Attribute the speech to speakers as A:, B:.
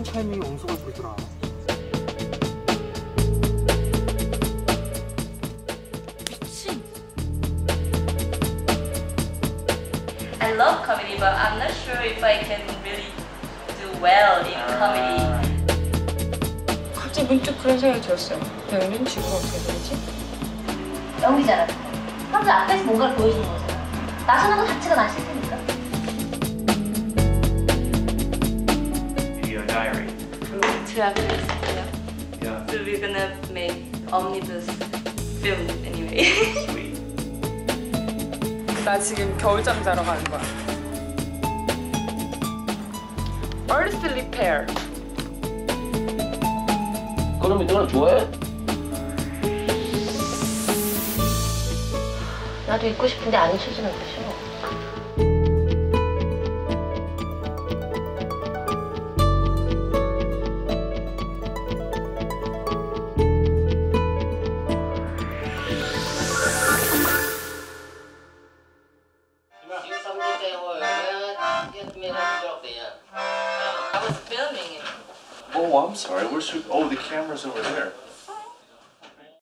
A: 타이밍이 엉성할 보이더라.
B: 미친. I love comedy, but I'm not sure if I can really do well in comedy.
C: 갑자기 문득 그런 생각이 들었어요. 배우는 지금 어떻게 되지?
D: 연기잖아. 사람들 앞에서 뭔가를 보여주는 거잖아. 나서는 거 자체가 난 싫으니까.
E: Video diary.
B: Two actors, yeah.
E: Yeah.
B: So we're gonna make omnibus film anyway.
E: Sweet.
C: 나 지금 겨울잠 자러 가는 거야. Earth Repair.
F: 그럼 이거는 좋아해?
D: 나도 있고 싶은데 안 잊혀지는 거 싫어.
B: I was filming it.
E: Oh, I'm sorry. Where's your... Oh, the camera's over there.